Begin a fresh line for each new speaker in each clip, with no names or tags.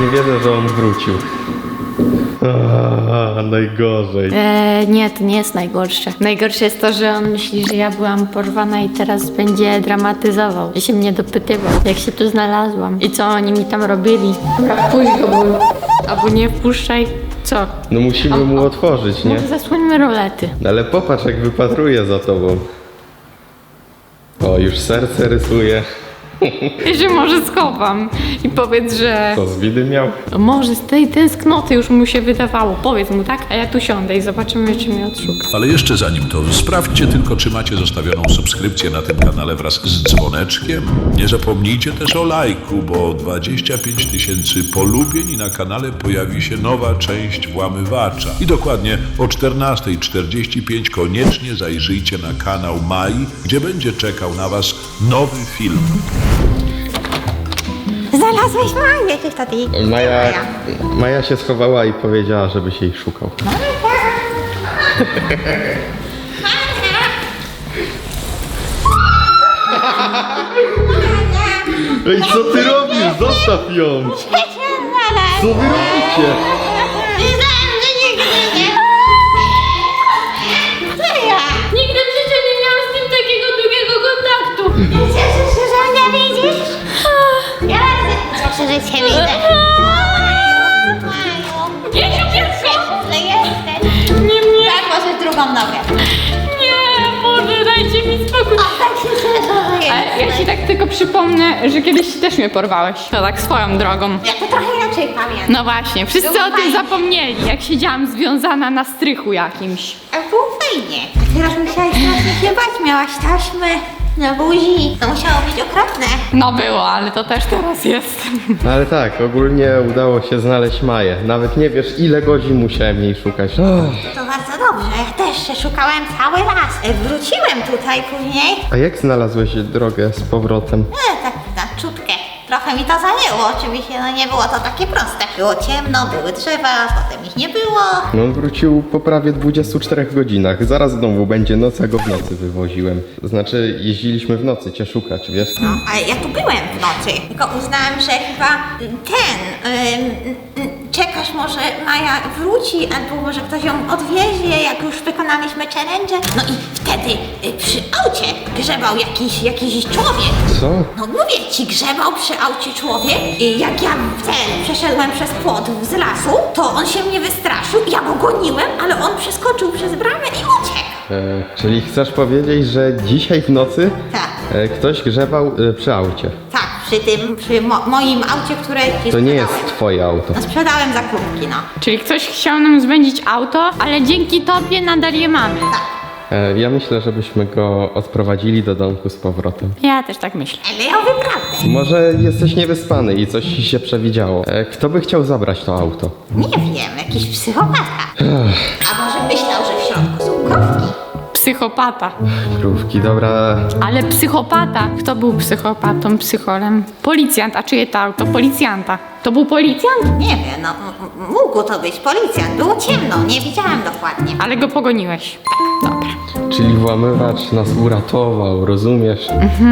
nie wierzę, że on wrócił. Najgorzej.
Nie, to nie jest najgorsze. Najgorsze jest to, że on myśli, że ja byłam porwana i teraz będzie dramatyzował. I się mnie dopytywał, jak się tu znalazłam i co oni mi tam robili. Dobra, wpuść go, albo nie wpuszczaj. Co?
No musimy mu otworzyć, nie?
Może zasłońmy rolety.
Ale popatrz, jak wypatruje za tobą. O, już serce rysuje.
I że może schowam i powiedz, że...
Co, z widy miał?
Może z tej tęsknoty już mu się wydawało. Powiedz mu, tak? A ja tu siądę i zobaczymy, czy mnie odszuka.
Ale jeszcze zanim to, sprawdźcie tylko, czy macie zostawioną subskrypcję na tym kanale wraz z dzwoneczkiem. Nie zapomnijcie też o lajku, bo 25 000 polubień i na kanale pojawi się nowa część Włamywacza. I dokładnie o 14:45 koniecznie zajrzyjcie na kanał Mai, gdzie będzie czekał na was nowy film.
Znalazłeś Maję, cześć taty.
Maja się schowała i powiedziała, żebyś jej szukał. Ej, co ty robisz? Zostaw ją! Co wy robicie?
Nigdy w życiu nie miałam z nim takiego długiego kontaktu.
Cieszysz się, że mnie widzisz? Ja cieszę, że cię widzę.
Jasiu, pierwsza!
Że jesteś.
Nie.
Tak, możesz drugą nogę.
Nie, Boże, dajcie mi spokój.
Tak się cieszę, że
Ale ja
jesteś.
ci tak tylko przypomnę, że kiedyś też mnie porwałeś. To tak swoją drogą.
Ja to trochę inaczej pamiętam.
No właśnie, wszyscy
Było
o tym
fajnie.
zapomnieli, jak siedziałam związana na strychu jakimś.
A było fajnie. Teraz musiałaś strasznie się bać, miałaś taśmy na buzi. To musiało być okropne.
No było, ale to też teraz jest.
Ale tak, ogólnie udało się znaleźć Maję. Nawet nie wiesz, ile godzin musiałem jej szukać.
To bardzo dobrze. Ja też się szukałem cały raz. Wróciłem tutaj później.
A jak znalazłeś drogę z powrotem?
Tak na czutkę. Trochę mi to zajęło, oczywiście, no nie było to takie proste. Było ciemno, były drzewa, potem ich nie było.
No on wrócił po prawie 24 godzinach. Zaraz znowu będzie noc, a go w nocy wywoziłem. Znaczy, jeździliśmy w nocy cię szukać, wiesz?
No, ale ja tu byłem w nocy, tylko uznałem, że chyba czekasz, może Maja wróci, albo może ktoś ją odwiezie, jak już wykonaliśmy challenge. No i wtedy przy aucie grzebał jakiś człowiek.
Co?
No mówię ci, grzebał przy aucie człowiek i jak ja przeszedłem przez płot z lasu, to on się mnie wystraszył, ja go goniłem, ale on przeskoczył przez bramę i uciekł.
Czyli chcesz powiedzieć, że dzisiaj w nocy
Tak.
ktoś grzebał przy aucie?
Tak, przy moim aucie, które ci
To nie jest
sprzedałem.
twoje auto.
No sprzedałem za klubki, no.
Czyli ktoś chciał nam zbędzić auto, ale dzięki tobie nadal je mamy.
Tak.
Ja myślę, żebyśmy go odprowadzili do domku z powrotem.
Ja też tak myślę.
Ale ja mówię prawdę.
Może jesteś niewyspany i coś ci się przewidziało. Kto by chciał zabrać to auto?
Nie wiem, jakiś psychopata. A może myślał, że w środku są krówki.
Psychopata.
Krówki, dobra.
Ale psychopata. Kto był psychopatą, psycholem? Policjant. A czyje to auto? Policjanta. To był policjant?
Nie wiem, no mógł to być policjant. Było ciemno, nie widziałem dokładnie.
Ale go pogoniłeś. Tak, dobra.
Czyli włamywacz nas uratował, rozumiesz?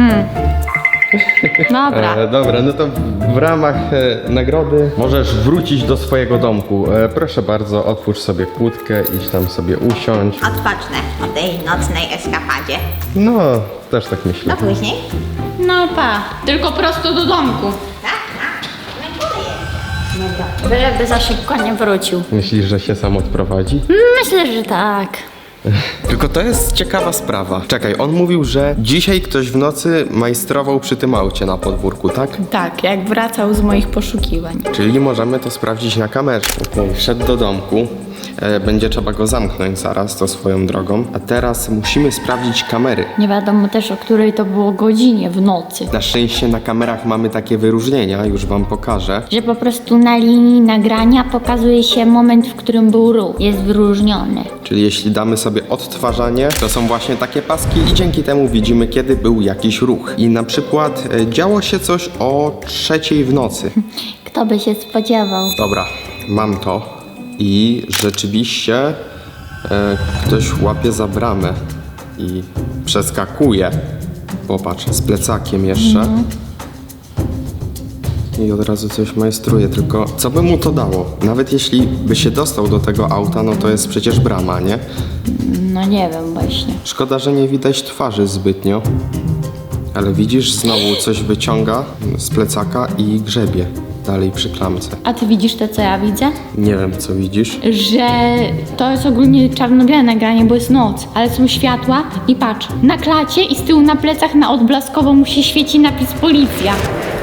Dobra.
Dobra, no to w ramach nagrody możesz wrócić do swojego domku. Proszę bardzo, otwórz sobie kłódkę, idź tam sobie usiądź.
Odpocznę po tej nocnej eskapadzie.
No, też tak myślę.
No później?
No pa. Tylko prosto do domku.
Tak, tak. No tutaj jest.
Byleby za szybko nie wrócił.
Myślisz, że się sam odprowadzi?
Myślę, że tak.
Tylko to jest ciekawa sprawa. Czekaj, on mówił, że dzisiaj ktoś w nocy majstrował przy tym aucie na podwórku, tak?
Tak, jak wracał z moich poszukiwań.
Czyli możemy to sprawdzić na kamerze. Okej, wszedł do domku. Będzie trzeba go zamknąć zaraz, to swoją drogą. A teraz musimy sprawdzić kamery.
Nie wiadomo też, o której to było godzinie w nocy.
Na szczęście na kamerach mamy takie wyróżnienia, już wam pokażę.
Że po prostu na linii nagrania pokazuje się moment, w którym był ruch. Jest wyróżniony.
Czyli jeśli damy sobie odtwarzanie, to są właśnie takie paski i dzięki temu widzimy, kiedy był jakiś ruch. I na przykład działo się coś o 3:00 w nocy.
Kto by się spodziewał?
Dobra, mam to. I rzeczywiście ktoś łapie za bramę i przeskakuje. Popatrz, z plecakiem jeszcze. I od razu coś majstruje, tylko co by mu to dało? Nawet jeśli by się dostał do tego auta, no to jest przecież brama, nie?
No nie wiem właśnie.
Szkoda, że nie widać twarzy zbytnio. Ale widzisz, znowu coś wyciąga z plecaka i grzebie dalej przy klamce.
A ty widzisz to, co ja widzę?
Nie wiem, co widzisz.
Że to jest ogólnie czarno-białe nagranie, bo jest noc, ale są światła i patrz, na klacie i z tyłu na plecach na odblaskowo mu się świeci napis policja.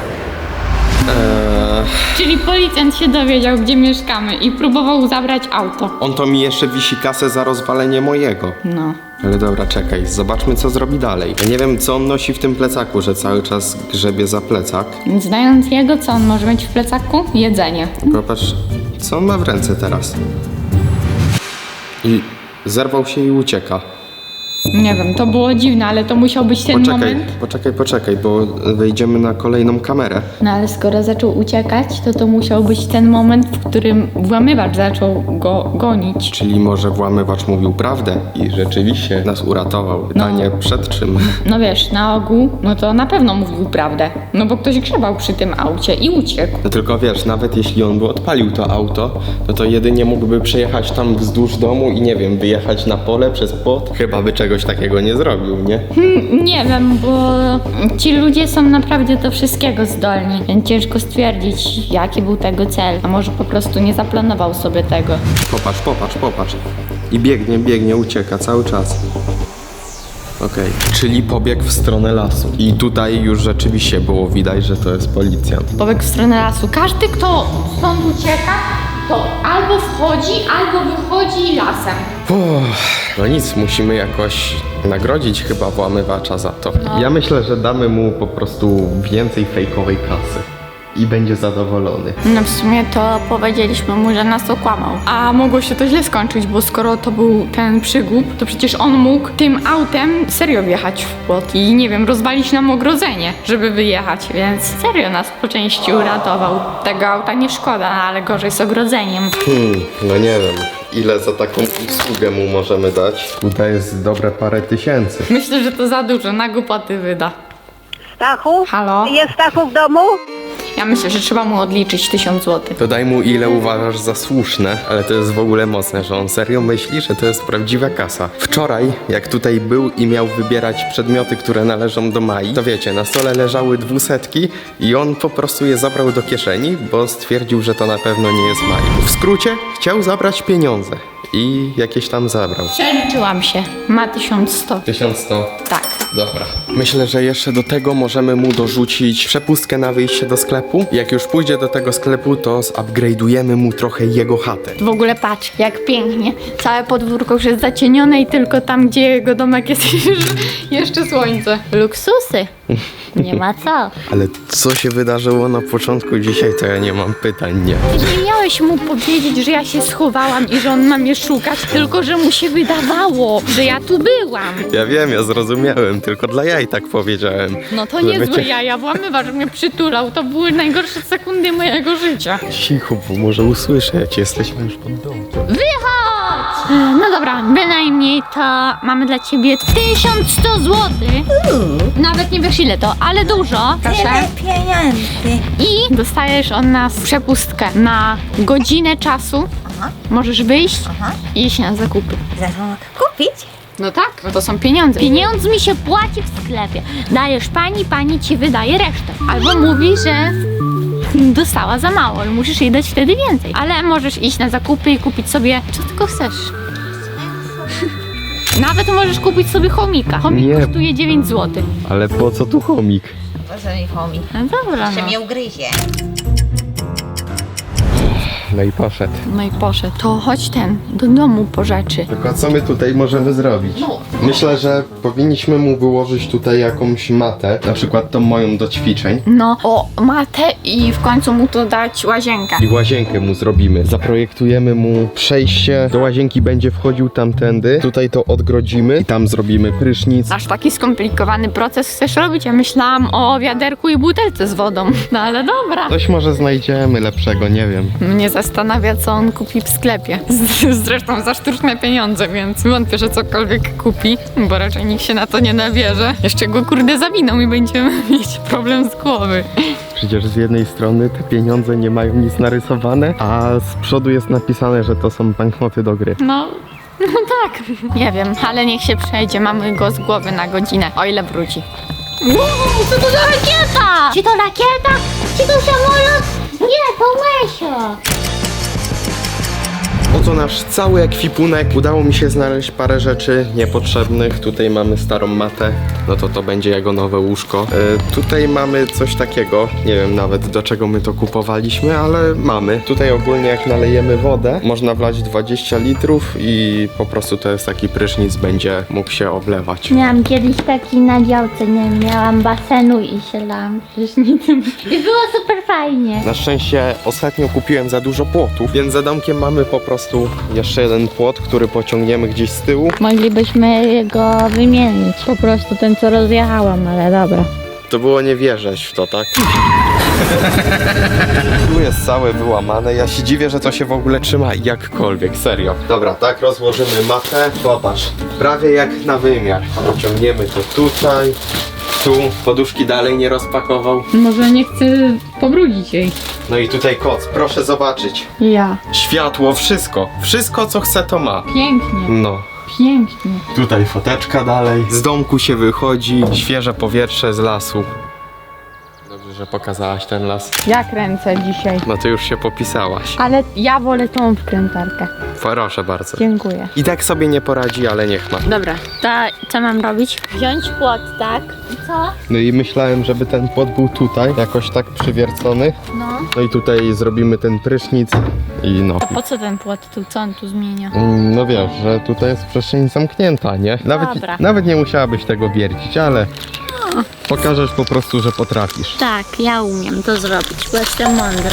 Czyli policjant się dowiedział, gdzie mieszkamy i próbował zabrać auto.
On to mi jeszcze wisi kasę za rozwalenie mojego.
No.
Ale dobra, czekaj, zobaczmy, co zrobi dalej. Ja nie wiem, co on nosi w tym plecaku, że cały czas grzebie za plecak.
Znając jego, co on może mieć w plecaku? Jedzenie.
Popatrz, co on ma w ręce teraz. I zerwał się i ucieka.
Nie wiem, to było dziwne, ale to musiał być ten moment.
Poczekaj, bo wejdziemy na kolejną kamerę.
No ale skoro zaczął uciekać, to musiał być ten moment, w którym włamywacz zaczął go gonić.
Czyli może włamywacz mówił prawdę i rzeczywiście nas uratował. Pytanie, przed czym?
No wiesz, na ogół, no to na pewno mówił prawdę. No bo ktoś grzebał przy tym aucie i uciekł.
No tylko wiesz, nawet jeśli on by odpalił to auto, no to jedynie mógłby przejechać tam wzdłuż domu i nie wiem, wyjechać na pole przez płot. Chyba by czegoś takiego nie zrobił, nie?
Nie wiem, bo ci ludzie są naprawdę do wszystkiego zdolni, więc ciężko stwierdzić, jaki był tego cel. A może po prostu nie zaplanował sobie tego.
Popatrz. I biegnie, ucieka cały czas. Okej, czyli pobiegł w stronę lasu. I tutaj już rzeczywiście było widać, że to jest policjant.
Pobiegł w stronę lasu. Każdy, kto stąd ucieka, to albo wchodzi, albo wychodzi lasem.
No nic, musimy jakoś nagrodzić chyba włamywacza za to. Ja myślę, że damy mu po prostu więcej fejkowej kasy. I będzie zadowolony.
No w sumie to powiedzieliśmy mu, że nas okłamał. A mogło się to źle skończyć, bo skoro to był ten przygłup, to przecież on mógł tym autem serio wjechać w płot i nie wiem, rozwalić nam ogrodzenie, żeby wyjechać, więc serio nas po części uratował. Tego auta nie szkoda, ale gorzej z ogrodzeniem.
No nie wiem, ile za taką usługę mu możemy dać. Tutaj jest dobre parę tysięcy.
Myślę, że to za dużo, na głupoty wyda.
Stachu?
Halo?
Jest Stachu w domu?
Ja myślę, że trzeba mu odliczyć 1000 zł.
To daj mu ile uważasz za słuszne, ale to jest w ogóle mocne, że on serio myśli, że to jest prawdziwa kasa. Wczoraj, jak tutaj był i miał wybierać przedmioty, które należą do Mai, to wiecie, na stole leżały 200 i on po prostu je zabrał do kieszeni, bo stwierdził, że to na pewno nie jest Mai. W skrócie, chciał zabrać pieniądze i jakieś tam zabrał.
Przeliczyłam się. Ma 1100.
1100.
Tak.
Dobra. Myślę, że jeszcze do tego możemy mu dorzucić przepustkę na wyjście do sklepu. Jak już pójdzie do tego sklepu, to zupgrade'ujemy mu trochę jego chatę.
W ogóle patrz, jak pięknie. Całe podwórko już jest zacienione i tylko tam, gdzie jego domek jest jeszcze słońce. Luksusy. Nie ma co.
Ale co się wydarzyło na początku dzisiaj, to ja nie mam pytań, nie.
Nie miałeś mu powiedzieć, że ja się schowałam i że on ma mnie szukać, tylko że mu się wydawało, że ja tu byłam.
Ja wiem, ja zrozumiałem, tylko dla jaj tak powiedziałem.
No to
Żeby
niezłe
cię-
jaja, włamywacz mnie przytulał. To były najgorsze sekundy mojego życia.
Cicho, bo może usłyszeć, jesteśmy już pod domem.
Wychodź! No dobra, bynajmniej to mamy dla ciebie 1100 zł. Nawet nie wiesz ile to, ale dużo. Proszę.
Tyle pieniędzy.
I dostajesz od nas przepustkę na godzinę czasu. Możesz wyjść i iść na zakupy.
Za to kupić?
No tak, no to są pieniądze. Pieniądzmi się płaci w sklepie. Dajesz pani ci wydaje resztę. Albo mówi, że dostała za mało i musisz jej dać wtedy więcej. Ale możesz iść na zakupy i kupić sobie co tylko chcesz. Nawet możesz kupić sobie chomika. Chomik
Nie.
kosztuje 9 zł.
Ale po co tu chomik?
Po co mi chomik?
No dobra,
Że
no.
mnie ugryzie.
No i poszedł.
No i poszedł. To chodź do domu po rzeczy.
Tylko co my tutaj możemy zrobić? Myślę, że powinniśmy mu wyłożyć tutaj jakąś matę, na przykład tą moją do ćwiczeń.
No, o matę i w końcu mu to dać łazienkę.
I łazienkę mu zrobimy. Zaprojektujemy mu przejście. Do łazienki będzie wchodził tamtędy. Tutaj to odgrodzimy i tam zrobimy prysznic.
Aż taki skomplikowany proces chcesz robić? Ja myślałam o wiaderku i butelce z wodą. No ale dobra.
Coś może znajdziemy lepszego, nie wiem.
Mnie zastanawia, co on kupi w sklepie. Zresztą za sztuczne pieniądze, więc wątpię, że cokolwiek kupi, bo raczej nikt się na to nie nabierze. Jeszcze go kurde zawiną i będziemy mieć problem z głowy.
Przecież z jednej strony te pieniądze nie mają nic narysowane, a z przodu jest napisane, że to są banknoty do gry.
No tak. Nie wiem, ale niech się przejdzie. Mamy go z głowy na godzinę, o ile wróci. Wow, co to za rakieta?
Czy to rakieta? Czy to samolot? Nie, to Łesio.
Oto nasz cały ekwipunek. Udało mi się znaleźć parę rzeczy niepotrzebnych. Tutaj mamy starą matę, no to będzie jego nowe łóżko. Tutaj mamy coś takiego, nie wiem nawet do czego my to kupowaliśmy, ale mamy. Tutaj ogólnie jak nalejemy wodę, można wlać 20 litrów i po prostu to jest taki prysznic, będzie mógł się oblewać.
Miałam kiedyś taki na działce, nie miałam basenu i się lałam prysznicem. I było super fajnie.
Na szczęście ostatnio kupiłem za dużo płotów, więc za domkiem mamy po prostu jeszcze jeden płot, który pociągniemy gdzieś z tyłu.
Moglibyśmy go wymienić. Po prostu ten, co rozjechałam, ale dobra.
To było nie wierzyć w to, tak? Tu jest całe wyłamane. Ja się dziwię, że to się w ogóle trzyma jakkolwiek, serio. Dobra, tak rozłożymy matę. Popatrz, prawie jak na wymiar. Pociągniemy to tutaj, tu. Poduszki dalej nie rozpakował.
Może nie chcę pobrudzić jej.
No i tutaj koc, proszę zobaczyć.
Ja.
Światło, wszystko. Wszystko co chce to ma.
Pięknie,
No.
pięknie.
Tutaj foteczka dalej. Z domku się wychodzi, świeże powietrze z lasu. Dobrze, że pokazałaś ten las.
Ja kręcę dzisiaj.
No to już się popisałaś.
Ale ja wolę tą wkrętarkę.
Proszę bardzo.
Dziękuję.
I tak sobie nie poradzi, ale niech ma.
Dobra, to co mam robić?
Wziąć płot, tak? I co?
No i myślałem, żeby ten płot był tutaj, jakoś tak przywiercony.
No.
No i tutaj zrobimy ten prysznic i no.
Po co ten płot tu? Co on tu zmienia?
No wiesz, że tutaj jest przestrzeń zamknięta, nie?
Dobra.
Nawet nie musiałabyś tego wiercić, ale pokażesz po prostu, że potrafisz.
Tak, ja umiem to zrobić, bo jestem mądra.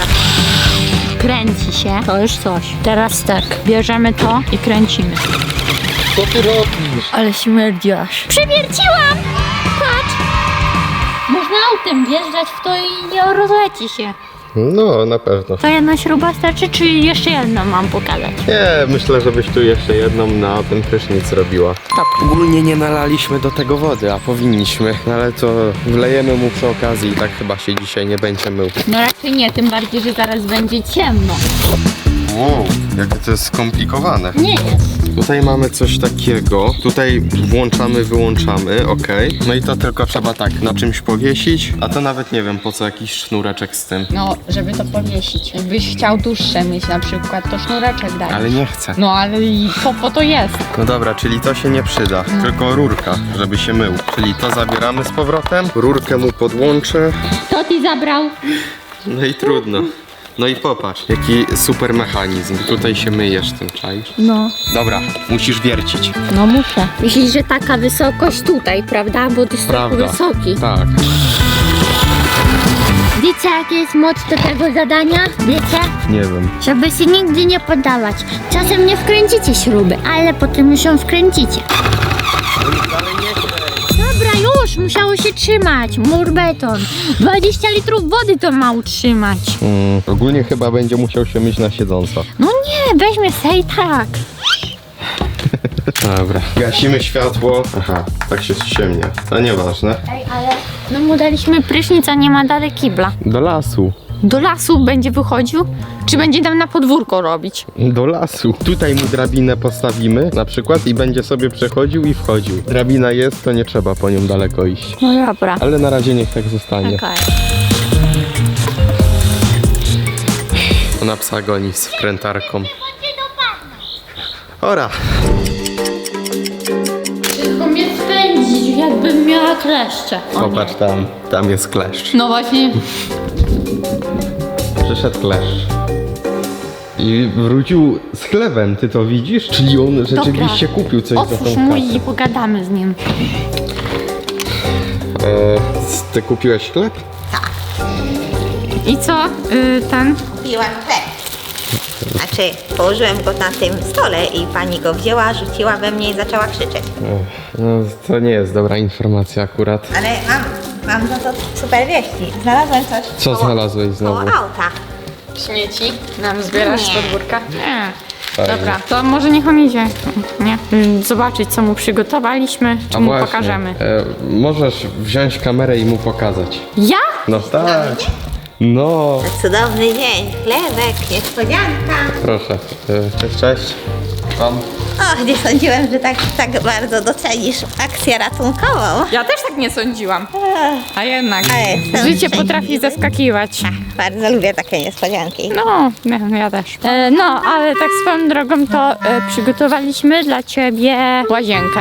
Kręci się. To już coś. Teraz tak, bierzemy to i kręcimy.
Co ty robisz?
Ale śmierdzi aż.
Przewierciłam! Patrz! Można autem wjeżdżać w to i nie rozleci się.
No, na pewno.
To jedna śruba starczy, czy jeszcze jedną mam pokazać?
Nie, myślę, żebyś tu jeszcze jedną na ten prysznic zrobiła.
Top.
Ogólnie nie nalaliśmy do tego wody, a powinniśmy. No ale to wlejemy mu przy okazji i tak chyba się dzisiaj nie będzie mył.
No raczej nie, tym bardziej, że zaraz będzie ciemno.
Wow, jakie to jest skomplikowane.
Nie jest.
Tutaj mamy coś takiego. Tutaj włączamy, wyłączamy, ok. No i to tylko trzeba tak na czymś powiesić, a to nawet nie wiem po co jakiś sznureczek z tym.
No, żeby to powiesić. Jakbyś chciał dłuższe mieć na przykład, to sznureczek daj.
Ale nie chcę.
No ale i po to jest.
No dobra, czyli to się nie przyda, tylko rurka, żeby się mył. Czyli to zabieramy z powrotem, rurkę mu podłączę,
Kto ci zabrał?
no i trudno. No i popatrz, jaki super mechanizm. Tutaj się myjesz tym, czaisz?
No.
Dobra, musisz wiercić.
No muszę.
Myślisz, że taka wysokość tutaj, prawda? Bo ty jest
Prawda.
tak wysoki.
Tak.
Wiecie, jaki jest moc do tego zadania? Wiecie?
Nie wiem.
Żeby się nigdy nie poddawać. Czasem nie wkręcicie śruby, ale potem już ją wkręcicie. Dobra, już, musiało się trzymać. Mur beton. 20 litrów wody to ma utrzymać.
Ogólnie chyba będzie musiał się myć na siedząco.
No nie, weźmy se i tak.
Dobra. Gasimy światło. Aha, tak się ściemnia. To nieważne.
Ej, ale...
No mu daliśmy prysznic, a nie ma dalej kibla.
Do lasu.
Do lasu będzie wychodził? Czy będzie tam na podwórko robić?
Do lasu. Tutaj mu drabinę postawimy na przykład i będzie sobie przechodził i wchodził. Drabina jest, to nie trzeba po nią daleko iść.
No dobra.
Ale na razie niech tak zostanie.
Okej.
Ona psa goni z wkrętarką. Ora.
Tylko mnie spędzić, jakbym miała kleszcze.
Popatrz tam jest kleszcz.
No właśnie.
Przyszedł kleszcz. I wrócił z chlebem, ty to widzisz? Czyli on rzeczywiście kupił coś za tą
Otwórz mój
kasę.
i pogadamy z nim.
Ty kupiłeś chleb?
I co? Ten?
Kupiłam chleb. Znaczy, położyłem go na tym stole i pani go wzięła, rzuciła we mnie i zaczęła krzyczeć.
No, to nie jest dobra informacja akurat.
Ale mam za to super wieści. Znalazłem coś.
Co znalazłeś znowu?
Koło auta.
Śmieci nam zbierasz z
Nie.
podwórka? Nie.
Fajnie.
Dobra, to może niech on idzie. Nie? Zobaczyć, co mu przygotowaliśmy, czy
A
mu
właśnie,
pokażemy.
możesz wziąć kamerę i mu pokazać.
Ja?
No tak. No,
Cudowny dzień, chlebek, niespodzianka.
proszę. Cześć. Pan?
Och, nie sądziłem, że tak bardzo docenisz akcję ratunkową.
Ja też tak nie sądziłam. A jednak.
Ale jestem
Życie
szczęśliwa.
potrafi zaskakiwać.
Bardzo lubię takie niespodzianki.
No, ja też. No, ale tak swoją drogą to przygotowaliśmy dla ciebie łazienkę.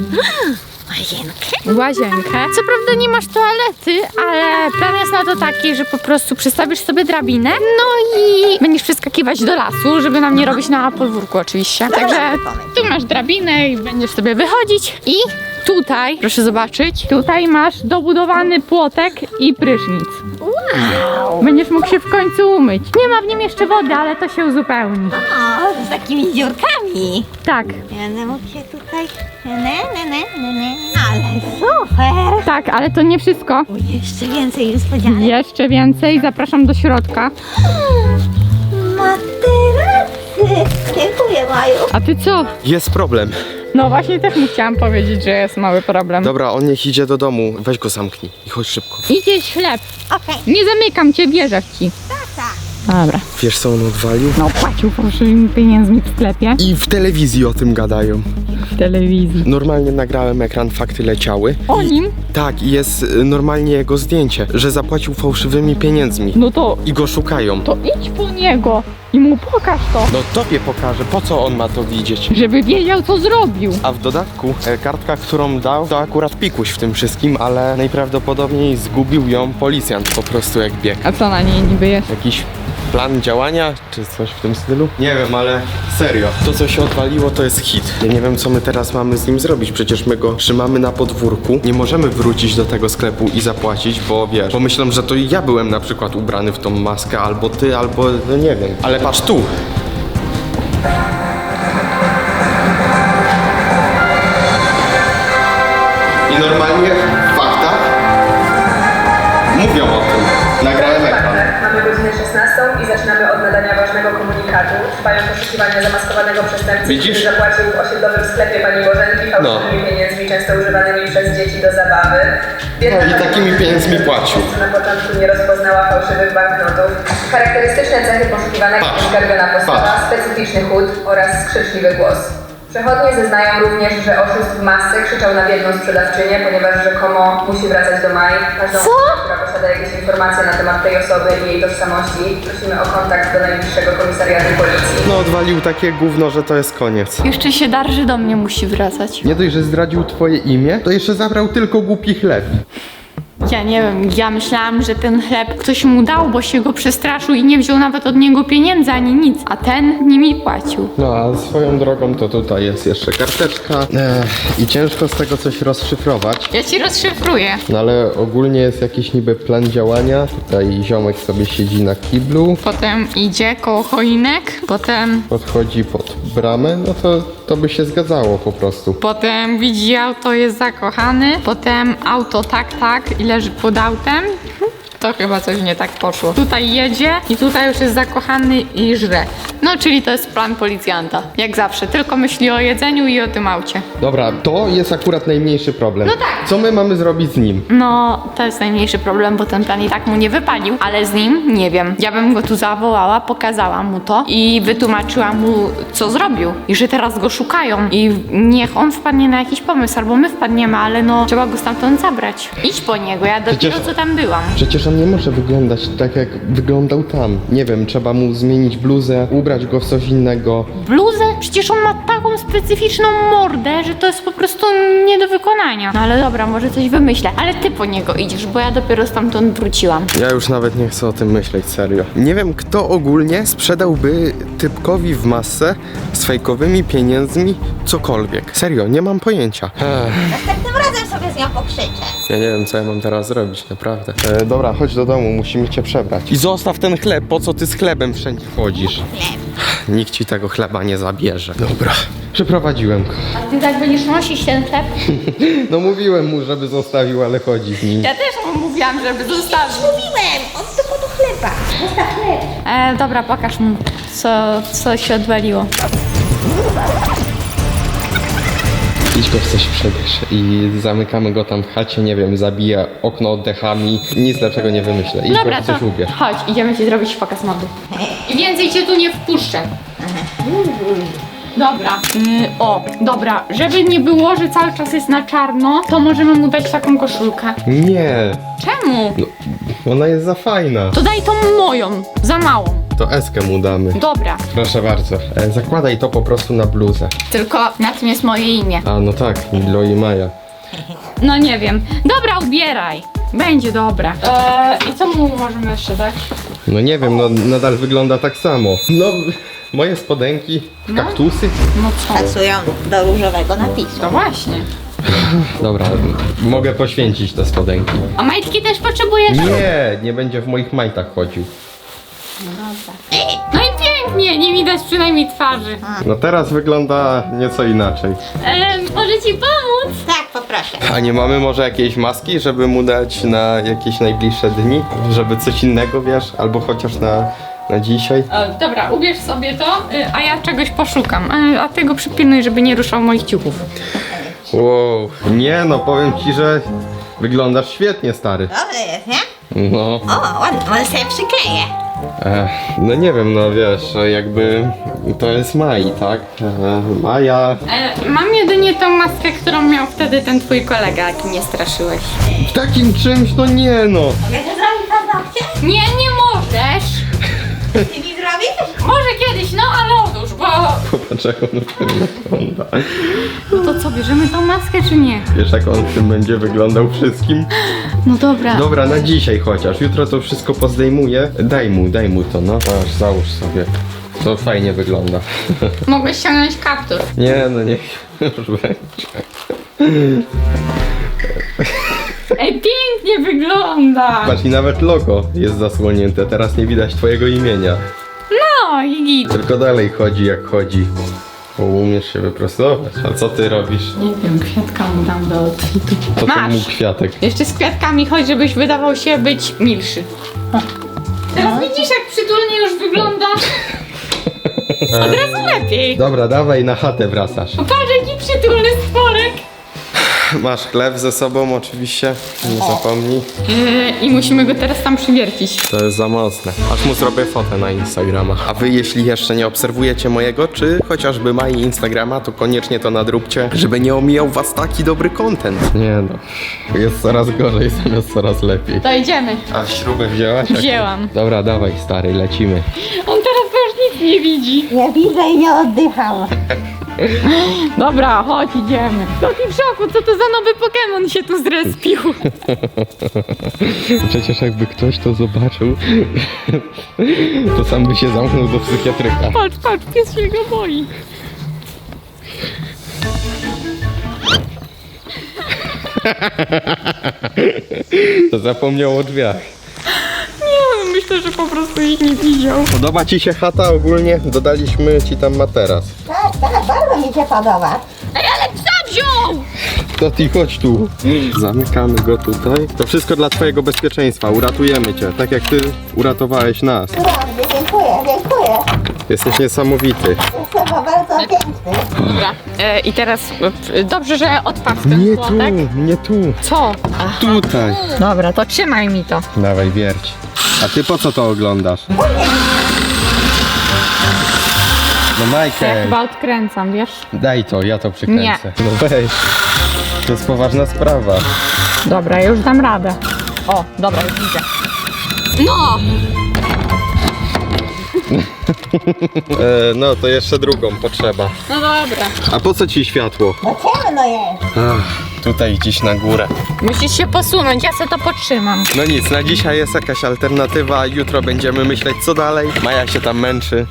Łazienkę. Co prawda nie masz toalety, ale plan jest na to taki, że po prostu przystawisz sobie drabinę, no i będziesz przeskakiwać do lasu, żeby nam nie robić na podwórku oczywiście. Także tu masz drabinę i będziesz sobie wychodzić i tutaj, proszę zobaczyć, tutaj masz dobudowany płotek i prysznic. Wow! Będziesz mógł się w końcu umyć. Nie ma w nim jeszcze wody, ale to się uzupełni.
O, z takimi dziurkami.
Tak,
Będę mógł się tutaj... Ale super!
tak, ale to nie wszystko.
Jeszcze więcej niespodzianek.
Jeszcze więcej, zapraszam do środka.
Materacy! Dziękuję, Maju.
A ty co?
Jest problem.
No właśnie też mu chciałam powiedzieć, że jest mały problem.
Dobra, on niech idzie do domu. Weź go zamknij i chodź szybko.
Idzie chleb.
Okej.
Nie zamykam cię, bierze ci.
Tak.
Dobra.
Wiesz co on odwalił?
No płacił fałszywymi pieniędzmi w sklepie.
I w telewizji o tym gadają.
W telewizji.
Normalnie nagrałem ekran, fakty leciały.
O nim?
Tak, i jest normalnie jego zdjęcie, że zapłacił fałszywymi pieniędzmi.
No to
I go szukają.
idź po niego i mu pokaż to.
No tobie pokażę, po co on ma to widzieć?
Żeby wiedział, co zrobił.
A w dodatku kartka, którą dał, to akurat pikuś w tym wszystkim, ale najprawdopodobniej zgubił ją policjant po prostu jak biegł.
A co na niej niby jest?
Jakiś plan działania, czy coś w tym stylu? Nie wiem, ale serio, to co się odwaliło to jest hit. Ja nie wiem co my teraz mamy z nim zrobić, przecież my go trzymamy na podwórku. Nie możemy wrócić do tego sklepu i zapłacić, bo wiesz, bo myślę, że to ja byłem na przykład ubrany w tą maskę, albo ty, albo no nie wiem. Ale patrz tu! I normalnie w faktach mówią o tym. Nagrałem ekran.
Mamy godzinę 16 i zaczynamy od nadania ważnego komunikatu. Trwają poszukiwania zamaskowanego przestępcy,
Widzisz?
który zapłacił w osiedlowym sklepie pani Bożenki fałszywymi pieniędzmi, często używanymi przez dzieci do zabawy. Biedna
No i
pani
takimi pieniędzmi płacił.
Na początku nie rozpoznała fałszywych banknotów. Charakterystyczne cechy poszukiwanego
Patrz,
skarbiona postawa,
patrz.
specyficzny chód oraz skrzyczliwy głos. Przechodnie zeznają również, że oszust w masce krzyczał na biedną sprzedawczynię, ponieważ rzekomo musi wracać do Mai. Każdą osobę, która posiada jakieś informacje na temat tej osoby i jej tożsamości, prosimy o kontakt do najbliższego komisariatu policji.
No odwalił takie gówno, że to jest koniec.
Jeszcze się darży do mnie musi wracać.
Nie dość, że zdradził twoje imię, to jeszcze zabrał tylko głupi chleb.
Ja nie wiem, ja myślałam, że ten chleb ktoś mu dał, bo się go przestraszył i nie wziął nawet od niego pieniędzy ani nic, a ten nimi płacił.
No a swoją drogą to tutaj jest jeszcze karteczka i ciężko z tego coś rozszyfrować.
Ja ci rozszyfruję.
No ale ogólnie jest jakiś niby plan działania. Tutaj ziomek sobie siedzi na kiblu,
Potem idzie koło choinek, potem
podchodzi pod bramę, no to by się zgadzało po prostu.
widzi auto, jest zakochany, potem auto tak i leży pod autem. To chyba coś nie tak poszło. Tutaj jedzie i tutaj już jest zakochany i żre. No, czyli to jest plan policjanta. Jak zawsze, tylko myśli o jedzeniu i o tym aucie.
Dobra, to jest akurat najmniejszy problem.
No tak.
Co my mamy zrobić z nim?
No, to jest najmniejszy problem, bo ten plan i tak mu nie wypalił, ale z nim nie wiem. Ja bym go tu zawołała, pokazała mu to i wytłumaczyła mu, co zrobił i że teraz go szukają i niech on wpadnie na jakiś pomysł, albo my wpadniemy, ale no, trzeba go stamtąd zabrać. Idź po niego, ja dopiero
Przecież-
co tam byłam.
Przecież on nie może wyglądać tak, jak wyglądał tam. Nie wiem, trzeba mu zmienić bluzę, ubrać go w coś innego.
Bluzę? Przecież on ma taką specyficzną mordę, że to jest po prostu nie do wykonania. No ale dobra, może coś wymyślę, ale ty po niego idziesz, bo ja dopiero stamtąd wróciłam.
Ja już nawet nie chcę o tym myśleć, serio. Nie wiem, kto ogólnie sprzedałby typkowi w masce z fejkowymi pieniędzmi cokolwiek. Serio, nie mam pojęcia.
Następnym razem sobie z nią pokrzyczę.
Ja nie wiem, co ja mam teraz zrobić, naprawdę. Dobra, chodź do domu, musimy cię przebrać. I zostaw ten chleb, po co ty z chlebem wszędzie chodzisz? Nikt ci tego chleba nie zabierze. Dobra, przeprowadziłem go.
A ty tak będziesz nosić ten chleb?
No mówiłem mu, żeby zostawił, ale chodzi z nim.
Ja też mu mówiłam, żeby zostawił.
Mówiłem, on tylko do chleba. Zostaw chleb.
Dobra, pokaż mu, co się odwaliło.
I idź go w coś przebierz i zamykamy go tam w chacie, nie wiem, zabija okno oddechami, nic lepszego nie wymyślę. Idź
Dobra,
go w
to
coś ubierz.
chodź, idziemy ci zrobić pokaz mody. I więcej cię tu nie wpuszczę. Dobra, dobra, żeby nie było, że cały czas jest na czarno, to możemy mu dać taką koszulkę.
Nie,
Czemu?
ona jest za fajna.
To daj tą moją, za małą.
To Eskę mu damy.
Dobra,
Proszę bardzo. Zakładaj to po prostu na bluzę.
tylko na tym jest moje imię.
A no tak, Milo i Maja.
No nie wiem. Dobra, ubieraj. Będzie dobra. I co mu możemy jeszcze dać?
No nie wiem, no nadal wygląda tak samo. No, moje spodenki, kaktusy.
No co?
Pasują do różowego napisu.
To właśnie.
Dobra, mogę poświęcić te spodenki.
A majtki też potrzebujesz?
Nie będzie w moich majtach chodził.
No i pięknie, nie widać przynajmniej twarzy.
No teraz wygląda nieco inaczej.
Może ci pomóc?
Tak, poproszę.
A nie mamy może jakiejś maski, żeby mu dać na jakieś najbliższe dni? Żeby coś innego, wiesz? Albo chociaż na dzisiaj?
Dobra, ubierz sobie to, a ja czegoś poszukam. A ty go przypilnuj, żeby nie ruszał moich ciuchów.
Wow, nie no, powiem ci, że wyglądasz świetnie, stary.
Dobre jest, nie?
No,
O, ładnie, może sobie przykleję.
no nie wiem, no wiesz, jakby to jest Mai, tak? Maja...
Mam jedynie tą maskę, którą miał wtedy ten twój kolega, jak mnie straszyłeś.
Takim czymś, no nie no.
Mogę to zrobić paznokcie?
Nie, nie możesz!
Ty mi zrobisz?
Może kiedyś, no ale odłóż, bo...
Popatrz jak on w tym wygląda.
No to co, bierzemy tą maskę czy nie?
Wiesz jak on w tym będzie wyglądał wszystkim?
No dobra.
Dobra, na dzisiaj chociaż. Jutro to wszystko pozdejmuję. Daj mu to, no. Aż załóż sobie. To fajnie wygląda.
Mogłeś ściągnąć kaptur.
Nie, no niech już będzie.
Ej, pięknie wygląda!
Patrz, i nawet logo jest zasłonięte. Teraz nie widać twojego imienia.
No i git.
Tylko dalej chodzi jak chodzi. Bo umiesz się wyprostować. A co ty robisz?
Nie wiem, kwiatka mu dam do outfitu.
To
Masz!
mu kwiatek.
Jeszcze z kwiatkami chodź, żebyś wydawał się być milszy. Teraz widzisz, jak przytulnie już wygląda? Od razu lepiej.
Dobra, dawaj, na chatę wracasz.
Patrz, jaki przytulny stworek.
Masz chleb ze sobą oczywiście. Nie zapomnij.
I musimy go teraz tam przywiercić.
To jest za mocne. Aż mu zrobię fotę na Instagrama. A wy, jeśli jeszcze nie obserwujecie mojego, czy chociażby Mai Instagrama, to koniecznie to nadróbcie, żeby nie omijał was taki dobry content. Nie no, jest coraz gorzej zamiast coraz lepiej.
To idziemy.
A śrubę wzięłaś?
Wzięłam.
Dobra, dawaj stary, lecimy.
On teraz to już nic nie widzi.
Nie widzę i nie oddycham.
Dobra, chodź, idziemy. Taki w szoku, co to za nowy Pokémon się tu zrespił.
Przecież jakby ktoś to zobaczył, to sam by się zamknął do psychiatryka.
Patrz, pies się go boi.
To zapomniał o drzwiach.
Nie, myślę, że po prostu ich nie widział.
Podoba ci się chata ogólnie? Dodaliśmy ci tam materac.
Tak, bardzo mi się podoba.
Ej, ale psa wziął!
To ty chodź tu. Zamykamy go tutaj. To wszystko dla twojego bezpieczeństwa. Uratujemy cię, tak jak ty uratowałeś nas.
Cudownie, dziękuję.
Jesteś niesamowity.
Jestem bardzo piękny.
Dobra, i teraz dobrze, że odpadł ten
Nie tu,
płotek.
nie tu.
Co?
Tutaj.
Dobra, to trzymaj mi to.
Dawaj, wierć. A ty po co to oglądasz? No
Ja
Michael,
chyba odkręcam, wiesz?
daj to, ja to przykręcę. No weź. To jest poważna sprawa.
Dobra, ja już dam radę. O, dobra, już widzę. No!
No to jeszcze drugą potrzeba.
No dobra.
A po co ci światło?
Bo ciemno jest.
Tutaj gdzieś na górę.
Musisz się posunąć, ja se to potrzymam.
No nic, na dzisiaj jest jakaś alternatywa, jutro będziemy myśleć co dalej. Maja się tam męczy.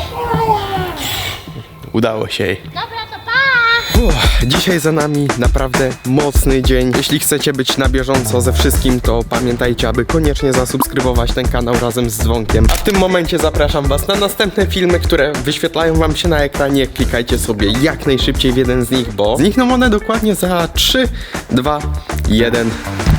Udało się jej.
Dobra, to pa!
Dzisiaj za nami naprawdę mocny dzień. Jeśli chcecie być na bieżąco ze wszystkim, to pamiętajcie, aby koniecznie zasubskrybować ten kanał razem z dzwonkiem. A w tym momencie zapraszam was na następne filmy, które wyświetlają wam się na ekranie. Klikajcie sobie jak najszybciej w jeden z nich, bo znikną one dokładnie za 3, 2, 1.